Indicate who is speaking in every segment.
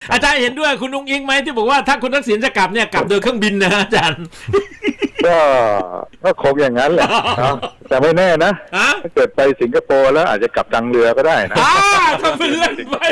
Speaker 1: อาจารย์เห็นด้วยคุณนุ้งอิงไหมที่บอกว่าถ้าคุณทักษิณจะกลับเนี่ยกลับโดยเครื่องบินนะอาจารย์
Speaker 2: ก็คงอย่างนั้นแหละแต่ไม่แน่นะถ้าเกิดไปสิงคโปร์แล้วอาจจะกลับทางเรือก็ได้นะ
Speaker 1: ทำเป็นเล่นไป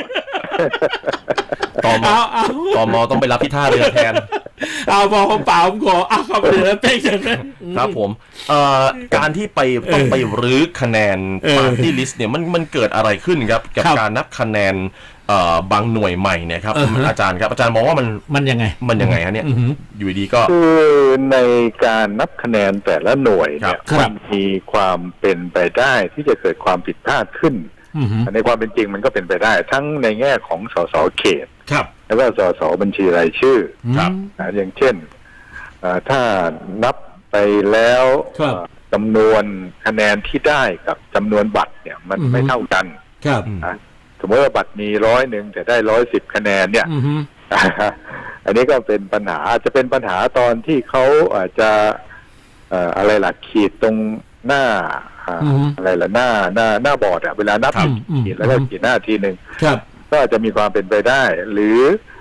Speaker 3: ตมต้องไปรับที่ท่าเรือแทน
Speaker 1: พอผมเปล่าผมขอเข้าไปเลยเป๊กจังเลย
Speaker 3: ครับผมการที่ต้องไปรื้อคะแนนปาร์ตี้ลิสต์เนี่ยมันเกิดอะไรขึ้นครับกับการนับคะแนนบางหน่วยใหม่เนี่ยครับอาจารย์ครับอาจารย์มองว่ามันยังไงฮะเนี่ยอยู่ดีก็
Speaker 2: คือในการนับคะแนนแต่ละหน่วยเนี่ยมันมีความเป็นไปได้ที่จะเกิดความผิดพลาดขึ้นในความเป็นจริงมันก็เป็นไปได้ทั้งในแง่ของสสเขตแล้วก็สสบัญชีรายชื่ออย่างเช่นถ้านับไปแล้วจำนวนคะแนนที่ได้กับจำนวนบัตรเนี่ยมันไม่เท่ากันสมมติว่าบัตรมี100แต่ได้110คะแนนเนี่ยอันนี้ก็เป็นปัญหาจะเป็นปัญหาตอนที่เขาอาจจะอะไรล่ะขีดตรงหน้าอะไรล่ะหน้าบอร์ดเวลานับขีดแล้วก็ขีดหน้าทีหนึ่งก็อาจจะมีความเป็นไปได้หรือ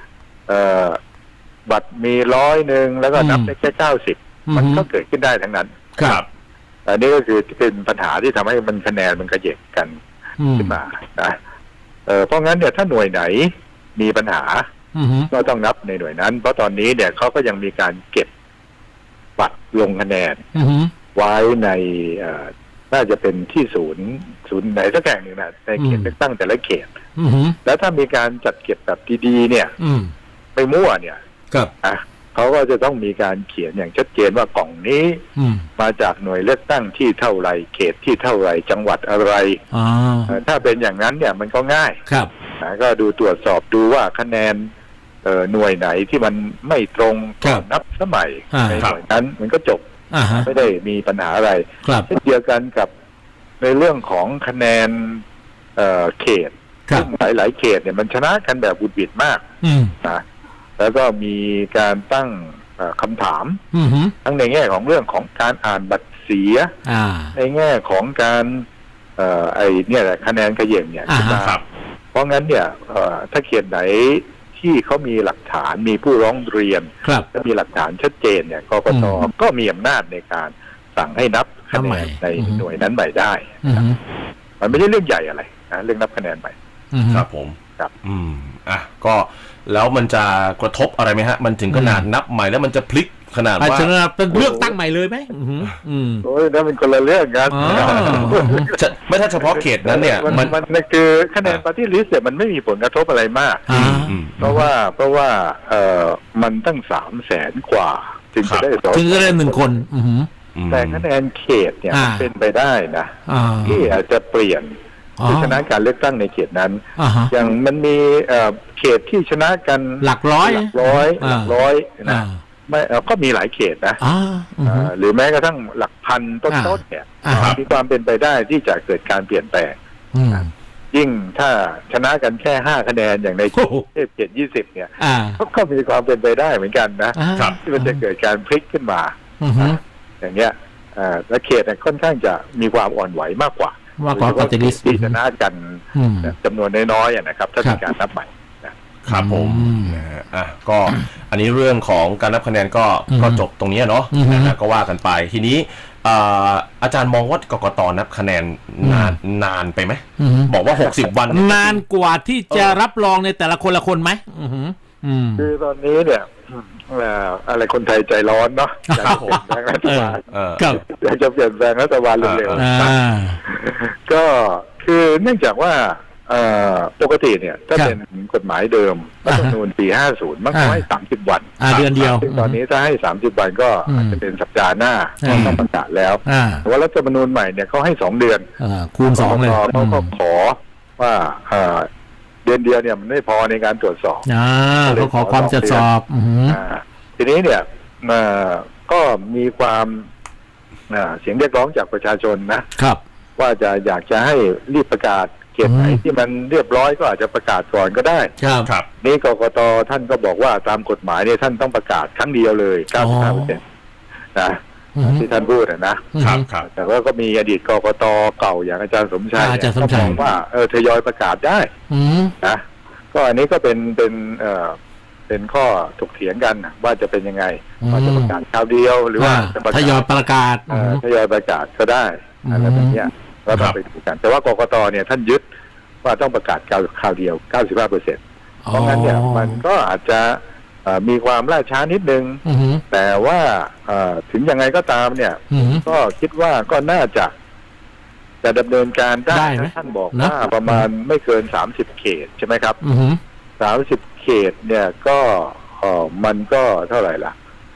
Speaker 2: บัตรมี100แล้วก็นับได้แค่90มันก็เกิดขึ้นได้ทั้งนั้นอันนี้ก็คือเป็นปัญหาที่ทำให้มันคะแนนมันกระเยกกันขึ้นมานะเพราะงั้นเนี่ยถ้าหน่วยไหนมีปัญหาก็ต้องนับในหน่วยนั้นเพราะตอนนี้เนี่ยเขาก็ยังมีการเก็บบัตรลงคะแนนไว้ในน่าจะเป็นที่ศูนย์ไหนสักแห่งหนึ่งนะในเขตเลือกตั้งแต่ละเขตแล้วถ้ามีการจัดเก็บแบบดีๆเนี่ยไม่มั่วเนี่ยเขาก็จะต้องมีการเขียนอย่างชัดเจนว่ากล่องนี้มาจากหน่วยเลือกตั้งที่เท่าไรเขตที่เท่าไรจังหวัดอะไรถ้าเป็นอย่างนั้นเนี่ยมันก็ง่ายก็ดูตรวจสอบดูว่าคะแนนหน่วยไหนที่มันไม่ตรงนับสมัยในหน่วยนั้นมันก็จบไม่ได้มีปัญหาอะไรเช่นเดียวกันกับในเรื่องของคะแนนเขตซึ่งหลายๆเขตเนี่ยมันชนะกันแบบบุดบิดมากนะแล้วก็มีการตั้งคำถามทั้งในแง่ของเรื่องของการอ่านบัตรเสียในแง่ของการเนี่ยแหละคะแนนเขย่งเนี่ยเพราะงั้นเนี่ยถ้าเขตไหนที่เขามีหลักฐานมีผู้ร้องเรียนและมีหลักฐานชัดเจนเนี่ยกกต.ก็มีอำนาจในการสั่งให้นับคะแนนในหน่วยนั้นใหม่ได้มันไม่ใช่เรื่องใหญ่อะไรนะเรื่องนับคะแนนใหม่
Speaker 3: ครับผมครับก็แล้วมันจะกระทบอะไรไหมฮะมันถึงขนาดนับใหม่แล้วมันจะพลิกขนาดว่า
Speaker 1: เป็นเลือกตั้งใหม่เลยไหม
Speaker 2: โอ้ยนั่นเป็นคนละเรื่องกัน
Speaker 3: ไม่ถ้าเฉพาะเขตนั้นเนี่ย
Speaker 2: มันคือคะแนนปาร์ตี้ลิสต์เนี่ยมันไม่มีผลกระทบอะไรมากเพราะว่ามันตั้ง300,000 กว่าถึงจะได้
Speaker 1: 1 คน
Speaker 2: แต่คะแนนเขตเนี่ยมันเป็นไปได้นะที่อาจจะเปลี่ยนผู้ชนะการเลือกตั้งในเขตนั้นอย่างมันมีเขตที่ชนะกัน
Speaker 1: หลักร้อย
Speaker 2: นะไม่ก็มีหลายเขตนะหรือแม้กระทั่งหลักพันต้นๆเนี่ยมีความเป็นไปได้ที่จะเกิดการเปลี่ยนแปลงยิ่งถ้าชนะกันแค่5 คะแนนอย่างในเขต20เนี่ยก็มีความเป็นไปได้เหมือนกันนะที่มันจะเกิดการพลิกขึ้นมาอย่างเงี้ยและเขตค่อนข้างจะมีความอ่อนไหวมากกว่า
Speaker 1: ปฏิริษี
Speaker 2: ที่ชนะกันจำนวนน้อยๆนะครับถ้ามีการนับใหม่
Speaker 3: ครับผมก็อันนี้เรื่องของการนับคะแนนก็จบตรงนี้เนาะก็ว่ากันไปทีนี้อาจารย์มองว่ากกต.นับคะแนนนานไปไหมบอกว่า60 วัน
Speaker 1: นานกว่าที่จะรับรองในแต่ละคนละคนไหม
Speaker 2: คือตอนนี้เนี่ยอะไรคนไทยใจร้อนเนาะอยากเปลี่ยนแปลงรัฐบาลอยากจะเปลี่ยนแปลงรัฐบาลเร็วๆก็คือเนื่องจากว่าปกติเนี่ยถ้าเป็นกฎหมายเดิมรัฐธรรมนูญปี50มันก็ให้30 วัน
Speaker 1: เดือนเดียว
Speaker 2: ซึ่งตอนนี้ถ้าให้30 วันก็อาจจะเป็นสัปดาห์หน้าต้องประกาศแล้วแต่ว่ารัฐธรรมนูญใหม่เนี่ยเขาให้2 เดือน
Speaker 1: คูณ2เลย
Speaker 2: เขาก็ขอว่าเดือนเดียวเนี่ยมันไม่พอในการตรวจสอบ
Speaker 1: เขาขอความตรวจสอบ
Speaker 2: ทีนี้เนี่ยก็มีความเสียงเรียกร้องจากประชาชนนะครับว่าอยากจะให้รีบประกาศเขตไหนที่มันเรียบร้อยก็อาจจะประกาศก่อนก็ได้
Speaker 3: ครับ
Speaker 2: นี่กกต.ท่านก็บอกว่าตามกฎหมายเนี่ยท่านต้องประกาศครั้งเดียวเลย 95% นะที่ท่านพูด
Speaker 3: นะครับ
Speaker 2: แต่ว่าก็มีอดีตกกต.เก่าอย่างอาจารย์สมชัยก็บอกว่าทยอยประกาศได้นะก็อันนี้ก็เป็นข้อถกเถียงกันว่าจะเป็นยังไงว่าจะประกาศคราวเดียวหรือว่าจะประ
Speaker 1: ท
Speaker 2: กาศ
Speaker 1: ยอยประกาศ
Speaker 2: ทยอยประกาศก็ได้อะไรแบบเนี้ยก็ต้องไปดูกันแต่ว่ากกตเนี่ยท่านยึดว่าต้องประกาศคราวเดียว 95%เพราะงั้นเนี่ยมันก็อาจจะมีความล่าช้านิดนึงแต่ว่าถึงยังไงก็ตามเนี่ยก็คิดว่าก็น่าจะดำเนินการได้ท่านบอกว่าประมาณไม่เกิน30 เขตใช่ไหมครับ30 เขตเนี่ยก็มันก็เท่าไหร่ล่ะ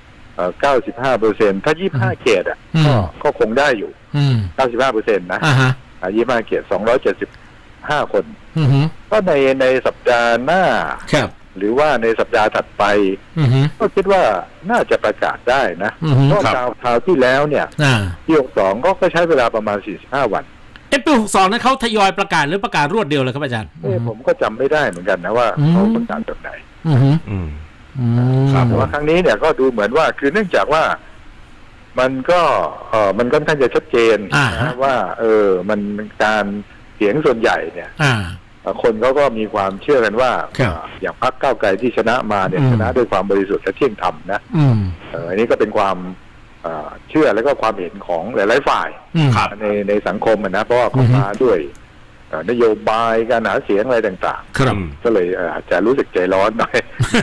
Speaker 2: 95%ถ้า25 เขตก็คงได้อยู่95%นะ25 เขต275 คนก็ในสัปดาห์หน้าหรือว่าในสัปดาห์ถัดไปก็คิดว่าน่าจะประกาศได้นะเพราะคราวที่แล้วเนี่ยปี62ก็ใช้เวลาประมาณ45 วัน
Speaker 1: ปี62นั้นเขาทยอยประกาศหรือประกาศรวดเดียวเลยครับอาจารย์
Speaker 2: ผมก็จำไม่ได้เหมือนกันนะว่าเขาประกาศแบบไหนแต่ว่าครั้งนี้เนี่ยก็ดูเหมือนว่าคือเนื่องจากว่ามันก็มันค่อนข้างจะชัดเจนนะว่ามันการเสียงส่วนใหญ่เนี่ยคนเขาก็มีความเชื่อกันว่าอย่างพรรคก้าวไกลที่ชนะมาเนี่ยชนะด้วยความบริสุทธิ์และเที่ยงธรรมนะอันนี้ก็เป็นความเชื่อและก็ความเห็นของหลายๆฝ่ายในสังคมนะเพราะว่าเขามาด้วยนโยบายการหาเสียงอะไรต่างๆก็เลยอาจจะรู้สึกใจร้อนหน่อย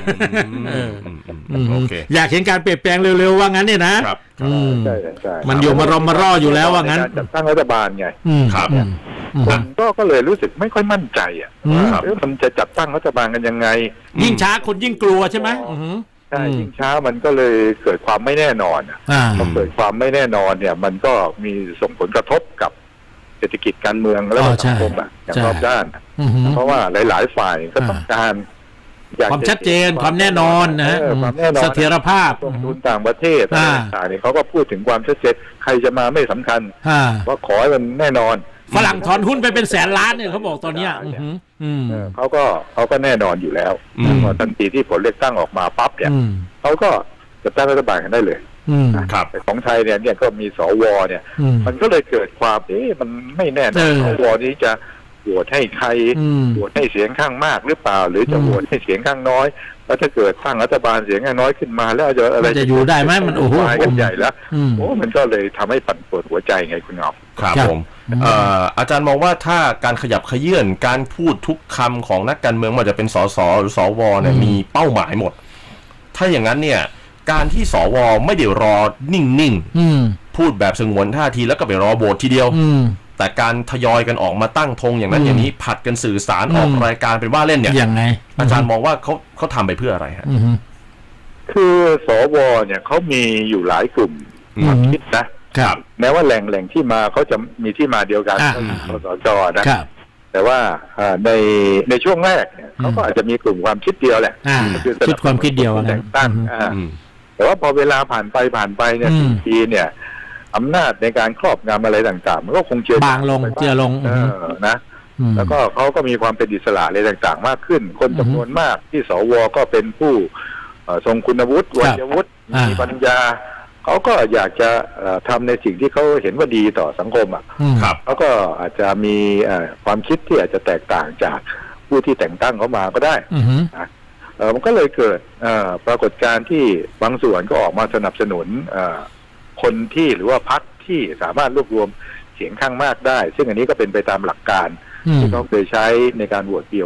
Speaker 1: อยากเห็นการเปลี่ยนแปลงเร็วๆว่างั้นเนี่ยนะ
Speaker 2: ใช่
Speaker 1: มันอยู่มารออยู่แล้วว่างั้น
Speaker 2: จัดตั้งรัฐบาลไงคนก็เลยรู้สึกไม่ค่อยมั่นใจว่ามันจะจัดตั้งรัฐบาลกันยังไง
Speaker 1: ยิ่งช้าคนยิ่งกลัวใช่ไหม
Speaker 2: ใช่ยิ่งช้ามันก็เลยเกิดความไม่แน่นอนพอเกิดความไม่แน่นอนเนี่ยมันก็มีส่งผลกระทบกับเศรษฐกิจการเมืองและสังคมอย่างรอบด้านเพราะว่าหลายๆฝ่ายก็ต้องการ
Speaker 1: ความชัดเจนความแน่นอนนะเสถียรภาพ
Speaker 2: ลงทุนต่างประเทศต่างๆนี่เขาก็พูดถึงความชัดเจนใครจะมาไม่สำคัญว่าขอให้มันแน่นอน
Speaker 1: ฝรั่งถอนหุ้นไปเป็นแสนล้านเนี่ยเขาบอกตอนนี้
Speaker 2: เขาก็แน่นอนอยู่แล้วพอทันทีที่ผลเลือกตั้งออกมาปั๊บเนี่ยเขาก็จะตั้งรัฐบาลกันได้เลยแต่ของไทยเนี่ยก็มีสวเนี่ยมันก็เลยเกิดความมันไม่แน่นอนสวนี้จะโหวตให้ใครโหวตให้เสียงข้างมากหรือเปล่าหรือจะโหวตให้เสียงข้างน้อยแล้วถ้าเกิดตั้งรัฐบาลเสียงข้างน้อยขึ้นมาแล้ว
Speaker 1: จะอยู่ได้ไหมมันโอ้โห
Speaker 2: กันใหญ่แล้วมันก็เลยทำให้ปั่นป่วนหัวใจไงคุณเงา
Speaker 3: ครับผมอาจารย์มองว่าถ้าการขยับเขยื่อนการพูดทุกคำของนักการเมืองมันจะเป็นสสหรือสวเนี่ยมีเป้าหมายหมดถ้าอย่างนั้นเนี่ยการที่สวไม่เดี๋ยวรอนิ่งๆพูดแบบสงวนท่าทีแล้วก็ไปรอโหวตทีเดียวแต่การทยอยกันออกมาตั้งธงอย่างนั้นอย่างนี้ผัดกันสื่อสารออกรายการเป็นว่าเล่นเนี่ย
Speaker 1: ยังไง
Speaker 3: อาจารย์มองว่าเขาทำไปเพื่ออะไรฮะ
Speaker 2: คือสวเนี่ยเขามีอยู่หลายกลุ่มความคิดนะครับแม้ว่าแหล่งที่มาเขาจะมีที่มาเดียวกันคสชนะแต่ว่าในช่วงแรกเนี่ยเขาก็อาจจะมีกลุ่มความคิดเดียวแหละ
Speaker 1: ชุดความคิดเดียว
Speaker 2: แต่งตั้งแต่ว่าพอเวลาผ่านไปเนี่ยทีเนี่ยอำนาจในการครอบงำอะไรต่างๆมันก็คง
Speaker 1: บางลงเจือลง
Speaker 2: นะแล้วก็เขาก็มีความเป็นอิสระอะไรต่างๆมากขึ้นคนจำนวนมากที่สวก็เป็นผู้ทรงคุณวุฒิวัยวุฒิมีปัญญาเขาก็อยากจะทำในสิ่งที่เขาเห็นว่าดีต่อสังคมเขาก็อาจจะมีความคิดที่อาจจะแตกต่างจากผู้ที่แต่งตั้งเขามาก็ได้มันก็เลยเกิดปรากฏการณ์ที่บางส่วนก็ออกมาสนับสนุนคนที่หรือว่าพรรคที่สามารถรวบรวมเสียงข้างมากได้ซึ่งอันนี้ก็เป็นไปตามหลักการที่เขาเคยใช้ในการโหวตปี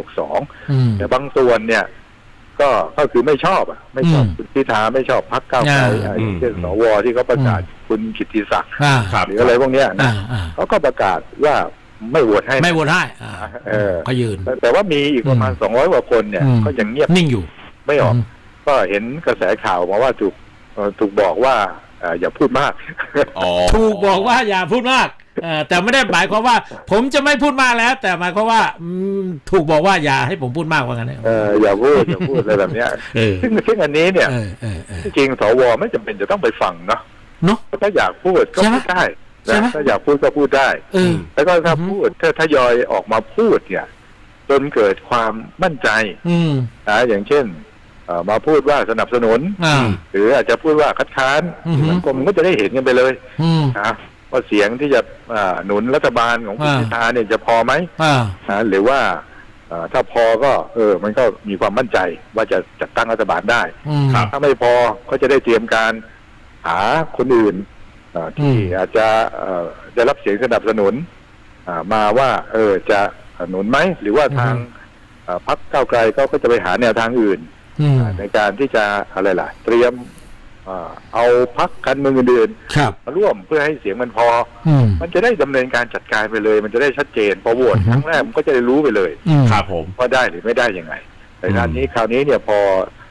Speaker 2: 62แต่บางส่วนเนี่ยก็คือไม่ชอบคุณพิธาไม่ชอบพรรคก้าวไกลเช่นสวที่เขาประกาศคุณกิตติศักดิ์หรืออะไรพวกนี้นะเขาก็ประกาศว่าไม่โหวตให้
Speaker 1: เขายืน
Speaker 2: แต่ว่ามีอีกประมาณ200 กว่าคนเนี่ยก็ยังเงียบ
Speaker 1: นิ่งอยู่
Speaker 2: ไม่ออกก็เห็นกระแสข่าวมาว่าถูกบอกว่าอย่าพูดมาก
Speaker 1: ถูกบอกว่าอย่าพูดมากแต่ไม่ได้หมายความว่าผมจะไม่พูดมากแล้วแต่หมายความว่าถูกบอกว่าอย่าให้ผมพูดมากว่างั้น
Speaker 2: อย่าพูดอะไรแบบนี้ซึ่งอันนี้เนี่ยจริงสวไม่จำเป็นจะต้องไปฟังเนาะถ้าอยากพูดก็พูดได้ถ้าอยากพูดก็พูดได้แล้วก็ถ้าพูดถ้าทยอยออกมาพูดเนี่ยจนเกิดความมั่นใจอย่างเช่นมาพูดว่าสนับสนุนหรืออาจจะพูดว่าคัดค้านสังคมก็จะได้เห็นกันไปเลยว่าเสียงที่จะหนุนรัฐบาลของคุณพิธาเนี่ยจะพอไหมหรือว่าถ้าพอก็มันก็มีความมั่นใจว่าจะจัดตั้งรัฐบาลได้
Speaker 1: ครับ
Speaker 2: ถ้าไม่พอก็จะได้เตรียมการหาคนอื่นที่อาจจะได้รับเสียงสนับสนุนมาว่าจะหนุนไหมหรือว่าทางพรรคก้าวไกลก็จะไปหาแนวทางอื่นในการที่จะอะไรล่ะเตรียมเอาพรรคการเมืองอื่นๆมาร่วมเพื่อให้เสียงมันพอมันจะได้ดำเนินการจัดการไปเลยมันจะได้ชัดเจนพอโหวตครั้งแรกมันก็จะได้รู้ไปเลย
Speaker 3: ครับผม
Speaker 2: ว่าได้หรือไม่ได้ยังไงแต่คราวนี้เนี่ยพอ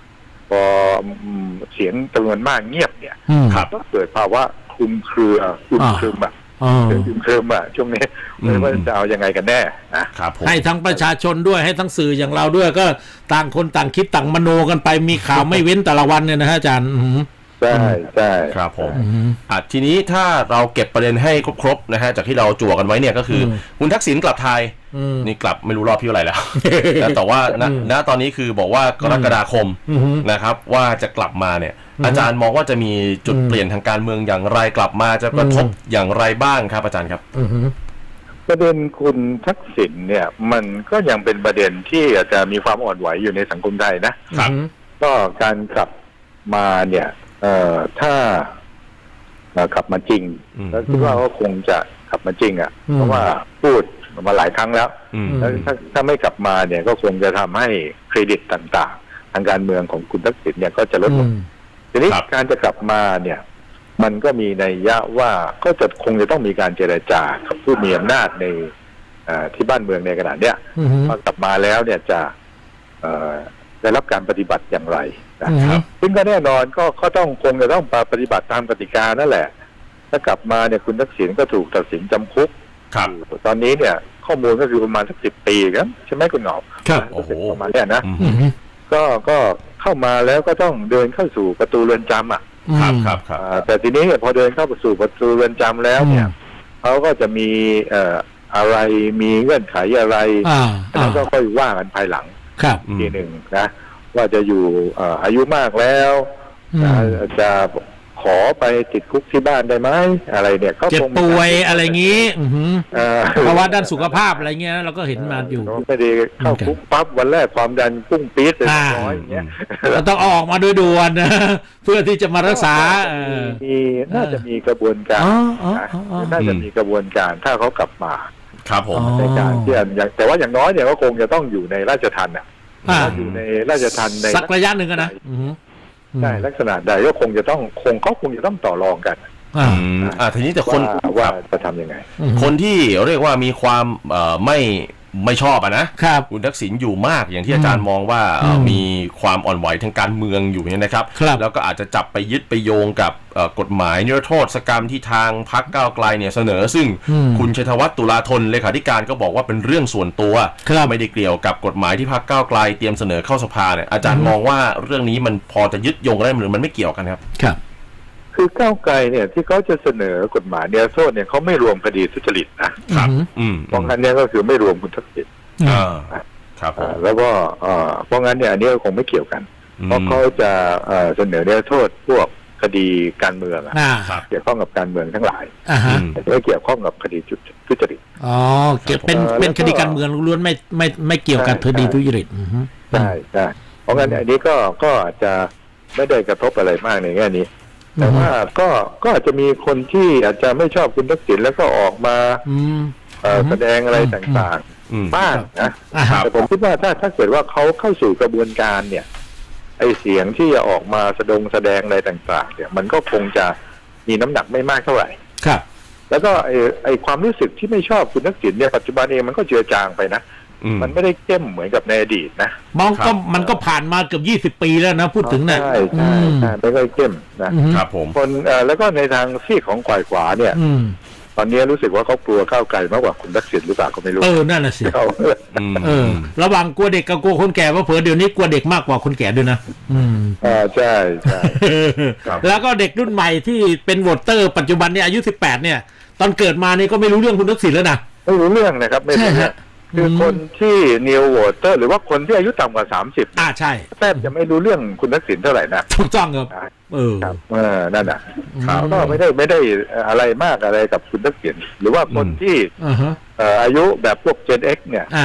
Speaker 2: เสียงจำนวนมากเงียบเนี่ยก็เกิดภาวะคลุมเครือคลุมเครือช่วงนี้ไม่ว่าจะเอายังไงกันแน่
Speaker 3: นะครับ
Speaker 1: ให้ทั้งประชาชนด้วยให้ทั้งสื่ออย่างเราด้วยก็ต่างคนต่างคิดต่างมโนกันไปมีข่าวไม่เว้นแต่ละวันเนี่ยนะฮะอาจารย์
Speaker 2: ใช่
Speaker 3: ครับผมทีนี้ถ้าเราเก็บประเด็นให้ครบนะฮะจากที่เราจั่วกันไว้เนี่ยก็คือคุณทักษิณกลับไทยนี่กลับไม่รู้รอบที่เท่าไหร่แล้วแต่ว่าณตอนนี้คือบอกว่ากรกฎาคมนะครับว่าจะกลับมาเนี่ยอาจารย์มองว่าจะมีจุดเปลี่ยนทางการเมืองอย่างไรกลับมาจะกระทบอย่างไรบ้างครับอาจารย์ครับ
Speaker 2: ประเด็นคุณทักษิณเนี่ยมันก็ยังเป็นประเด็นที่อาจจะมีความอ่อนไหวอยู่ในสังคมไทยนะครับก็การกลับมาเนี่ยถ้ากลับมาจริงแล้วคิดว่าก็คงจะกลับมาจริงเพราะว่าพูดมาหลายครั้งแล้วแล้วถ้าไม่กลับมาเนี่ยก็คงจะทำให้เครดิตต่างๆทางการเมืองของคุณทักษิณเนี่ยก็จะลดลงทีนี้การจะกลับมาเนี่ยมันก็มีนัยยะว่าก็จะคงจะต้องมีการเจรจากับผู้มีอำนาจในที่บ้านเมืองในขณะเนี้ยพอกลับมาแล้วเนี่ยจะได้รับการปฏิบัติอย่างไรนะครับซึ่งก็แน่นอนก็ต้องคงจะต้องปฏิบัติตามกติกานั่นแหละถ้ากลับมาเนี่ยคุณทักษิณก็ถูกตัดสินจำคุกตอนนี้เนี่ยข้อมูลก็คือประมาณสัก10 ปีครับใช่ไหมคุณหนอมประมาณนี้นะก็เข้ามาแล้วก็ต้องเดินเข้าสู่ประตูเรือนจำ
Speaker 3: ครับ
Speaker 2: แต่ทีนี้พอเดินเข้าสู่ประตูเรือนจำแล้วเนี่ยเขาก็จะมีอะไรมีเงื่อนไขอะไรแล้วก็ค่อยว่ากันภายหลังทีหนึ่งนะว่าจะอยู่อายุมากแล้วจะขอไปติดคุกที่บ้านได้ไหมอะไรเนี่ยเขา
Speaker 1: เจ็บป่วยอะไรงี้ภาวะด้านสุขภาพอะไรเงี้ยเราก็เห็นมาอยู่
Speaker 2: ไม่ได้เข้าคุกปั๊บวันแรกความดันพุ่งปี๊ดเลยน้อยอย่างเงี้ย
Speaker 1: เราต้องออกมาโดยด่วนนะเพื่อที่จะมารักษา
Speaker 2: น่าจะมีกระบวนการน่าจะมีกระบวนการถ้าเขากลับมา
Speaker 3: ครับผม
Speaker 2: ในการที่แต่ว่าอย่างน้อยเนี่ยก็คงจะต้องอยู่ในราชทัณฑ์อยู่ในราชทัณฑ์ใน
Speaker 1: สักระยะหนึ่งนะ
Speaker 2: ใช่ลักษณะใดก็คงจะต้องต่อรองกัน
Speaker 3: ทีนี้แต่คน
Speaker 2: ว่าจะทำยังไง
Speaker 3: คนที่เรียกว่ามีความไม่ชอบนะครับคุณทักษิณอยู่มากอย่างที่อาจารย์มองว่ามีความอ่อนไหวทางการเมืองอยู่เนี่ยนะครับแล้วก็อาจจะจับไปยึดไปโยงกับกฎหมายนิรโทษกรรมที่ทางพรรคก้าวไกลเนี่ยเสนอซึ่งคุณชัยธวัฒน์ตุลาธนเลขาธิการก็บอกว่าเป็นเรื่องส่วนตัวไม่ได้เกี่ยวกับกฎหมายที่พรรคก้าวไกลเตรียมเสนอเข้าสภาเนี่ยอาจารย์มองว่าเรื่องนี้มันพอจะยึดโยงได้หรือมันไม่เกี่ยวกันครับ
Speaker 2: คือก้าวไกลเนี่ยที่เขาจะเสนอกฎหมายนิรโทษเนี่ยเขาไม่รวมคดีทุจริตนะครับเพราะงั้นเนี่ยก็คือไม่รวมคุณทักษิณ
Speaker 3: ครับ
Speaker 2: แล้วก็เพราะงั้นเนี่ยอันนี้คงไม่เกี่ยวกันเพราะเขาจะเสนอนิรโทษพวกคดีการเมืองเกี่ยวข้องกับการเมืองทั้งหลายไม่เกี่ยวข้องกับคดีทุจริต
Speaker 1: เป็นคดีการเมืองล้วนไม่เกี่ยวกับคดีทุจริต
Speaker 2: ใช่เพราะงั้นอันนี้ก็อาจจะไม่ได้กระทบอะไรมากในแง่นี้แต่ว่าก็อาจจะมีคนที่อาจจะไม่ชอบคุณทักษิณแล้วก็ออกมาแสดงอะไรต่างๆบ้างนะแต่ผมคิดว่าถ้าเกิดว่าเขาเข้าสู่กระบวนการเนี่ยไอเสียงที่จะออกมาแสดงอะไรต่างๆเนี่ยมันก็คงจะมีน้ำหนักไม่มากเท่าไหร่
Speaker 1: ครับ
Speaker 2: แล้วก็ไอความรู้สึกที่ไม่ชอบคุณทักษิณเนี่ยปัจจุบันเองมันก็เจือจางไปนะมันไม่ได้เข้มเหมือนกับในอดีตนะ
Speaker 1: มันก็ผ่านมาเกือบ20 ปีแล้วนะพูดถึงนะ
Speaker 2: ใช่ไม่ค่อยเข้ม
Speaker 3: นะครับผม
Speaker 2: คนแล้วก็ในทางซีกของฝ่ายขวาเนี่ยตอนนี้รู้สึกว่าเขากลัวก้าวไกลมากกว่าคุณทักษิณหรือเปล่าก็ไม่รู้
Speaker 1: นั่นน่ะสิระหว่างกลัวเด็กกับกลัวคนแก่ว่าเผลอเดี๋ยวนี้กลัวเด็กมากกว่าคนแก่ด้วยนะ
Speaker 2: ใช่
Speaker 1: แล้วก็เด็กรุ่นใหม่ที่เป็นโหวตเตอร์ปัจจุบันเนี่ยอายุ18เนี่ยตอนเกิดมานี่ก็ไม่รู้เรื่องคุณทักษิณแล้วนะ
Speaker 2: ไม่รู้เรื่องนะครับไม่รู้คือคนที่นิวโวเตอร์หรือว่าคนที่อายุต่ำกว่า30
Speaker 1: ใช่
Speaker 2: แทบจะไม่รู้เรื่องคุณทักษิณเท่าไหร่นะ
Speaker 1: ถูกต้องครับ
Speaker 2: นั่นน่ะก็ไม่ได้อะไรมากอะไรกับคุณทักษิณหรือว่าคนที่อายุแบบพวก Gen X เนี่ย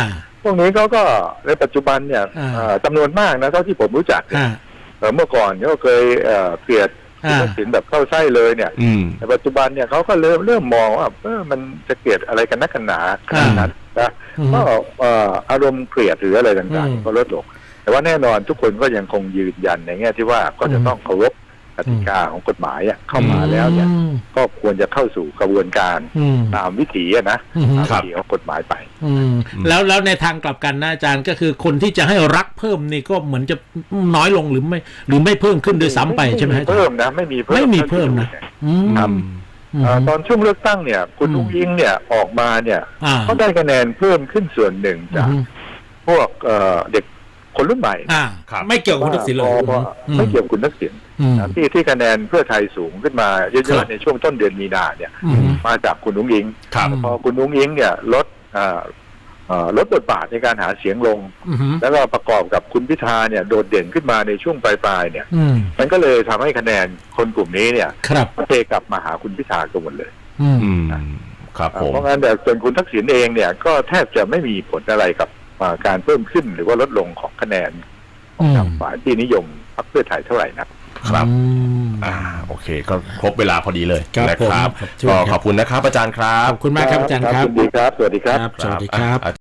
Speaker 2: พวกนี้เขาก็ในปัจจุบันเนี่ยจำนวนมากนะเท่าที่ผมรู้จักเนี่ยเมื่อก่อนก็เคยเกลียดคุณทักษิณแบบเข้าไส้เลยเนี่ยในปัจจุบันเนี่ยเขาก็เริ่มมองว่ามันจะเกลียดอะไรกันนักกันหนาขนาดนั้นนะก็อารมณ์เกลียดหรืออะไรต่างๆก็ลดลงแต่ว่าแน่นอนทุกคนก็ยังคงยืนยันในแง่ที่ว่าก็จะต้องเคารพกติกาของกฎหมายเข้ามาแล้วเนี่ยก็ควรจะเข้าสู่กระบวนการตามวิถีนะตามวิถีของกฎหมายไป
Speaker 1: แล้วในทางกลับกันนะอาจารย์ก็คือคนที่จะให้รักเพิ่มนี่ก็เหมือนจะน้อยลงหรือไม่เพิ่มขึ้นโดยซ้ำไปใช่ไหม
Speaker 2: เพิ่มนะไม่มีเพิ่มนะตอนช่วงเลือกตั้งเนี่ยคุณอุ้งอิงเนี่ยออกมาเนี่ยก็ได้คะแนนเพิ่มขึ้นส่วนหนึ่งจากพวกเด็กคนรุ่นใหม่
Speaker 1: ไม่เกี่ยวกับคุณทักษิณเลย
Speaker 2: ไม่เกี่ยวกับคุณทักษิณที่คะแนนเพื่อไทยสูงขึ้นมาเยอะๆในช่วงต้นเดือนมีนาเนี่ยมาจากคุณอุ้งอิงพอคุณอุ้งอิงเนี่ยลดบทบาทในการหาเสียงลงแล้วก็ประกอบกับคุณพิธาเนี่ยโดดเด่นขึ้นมาในช่วงปลายๆเนี่ยมันก็เลยทำให้คะแนนคนกลุ่มนี้เนี่ยเทกลับมาหาคุณพิธากันหมดเลย
Speaker 3: ครับผม
Speaker 2: เพราะงั้นแต่ส่วนคุณทักษิณเองเนี่ยก็แทบจะไม่มีผลอะไรกับการเพิ่มขึ้นหรือว่าลดลงของคะแนนของทางฝ่ายที่นิยมพรรคเพื่อไทยเท่าไหร่นะครับ
Speaker 3: โอเคก็ครบเวลาพอดีเลยนะครับก็ขอบคุณนะครับอาจารย์ครับ
Speaker 1: ขอบคุณมากครับอาจารย์ครับ
Speaker 2: สวัสดีครับ
Speaker 1: สวัสดีครับ